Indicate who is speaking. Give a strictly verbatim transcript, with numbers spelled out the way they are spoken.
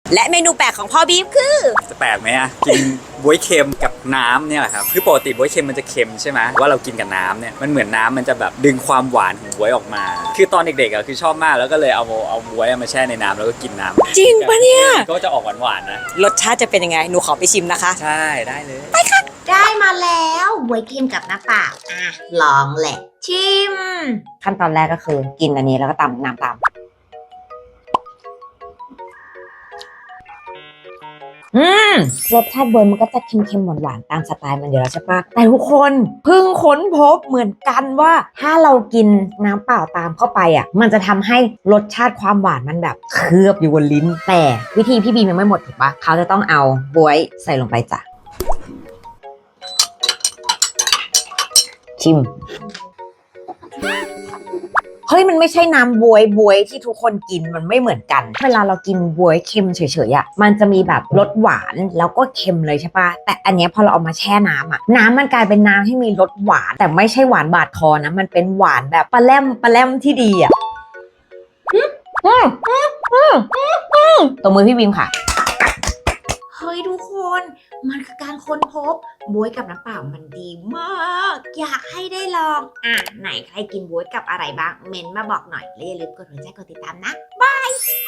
Speaker 1: และเมนูแปลกของพ่อบีฟคือ
Speaker 2: จะแปลกไหมอะกินบ๊วยเค็มกับน้ำเนี่ยแหละครับคือปกติบ๊วยเค็มมันจะเค็มใช่ไหมว่าเรากินกับน้ำเนี่ยมันเหมือนน้ำมันจะแบบดึงความหวานของบ๊วยออกมาคือตอนเด็กๆอะคือชอบมากแล้วก็เลยเอาเอาบ๊วยมาแช่ในน้ำแล้วก็กินน้ำ
Speaker 1: จริงปะเนี่ย
Speaker 2: ก็จะออกหวานๆนะ
Speaker 1: รสชาติจะเป็นยังไงหนูขอไปชิมนะคะ
Speaker 2: ใช่ได้เลย
Speaker 1: ไปค่ะ
Speaker 3: ได้มาแล้วบวยเค็มกับน้ำเปล่าอ่ะลองแหละชิม
Speaker 1: ขั้นตอนแรกก็คือกินอันนี้แล้วก็ตำน้ำตามอืมรสชาติบวยมันก็จะเค็มๆหวานๆตามสไตล์มันอยู่แล้วใช่ปะแต่ทุกคนเพิ่งค้นพบเหมือนกันว่าถ้าเรากินน้ำเปล่าตามเข้าไปอ่ะมันจะทำให้รสชาติความหวานมันแบบเคลือบอยู่บนลิ้นแต่วิธีพี่บีมยังไม่หมดถูกปะเขาจะต้องเอาบวยใส่ลงไปจ้ะชิมเฮ้ยมันไม่ใช่น้ำบวยบวยที่ทุกคนกินมันไม่เหมือนกันเวลาเรากินบวยเค็มเฉยๆอ่ะมันจะมีแบบรสหวานแล้วก็เค็มเลยใช่ปะแต่อันนี้พอเราเอามาแช่น้ำอ่ะน้ำมันกลายเป็นน้ำที่มีรสหวานแต่ไม่ใช่หวานบาดคอนะมันเป็นหวานแบบปลาแรมปลาแรมที่ดีอ่ะอืมอืมอืมอืมอืมตัวมือพี่บีมค่ะ
Speaker 3: เฮ้ยทุกคนมันคือการค้นพบบวยกับน้ำเปล่ามันดีมากอยากให้ได้ลองอ่ะไหนใครกินบวยกับอะไรบ้างเมนต์มาบอกหน่อยและอย่าลืมกดหัวใจกดติดตามนะบาย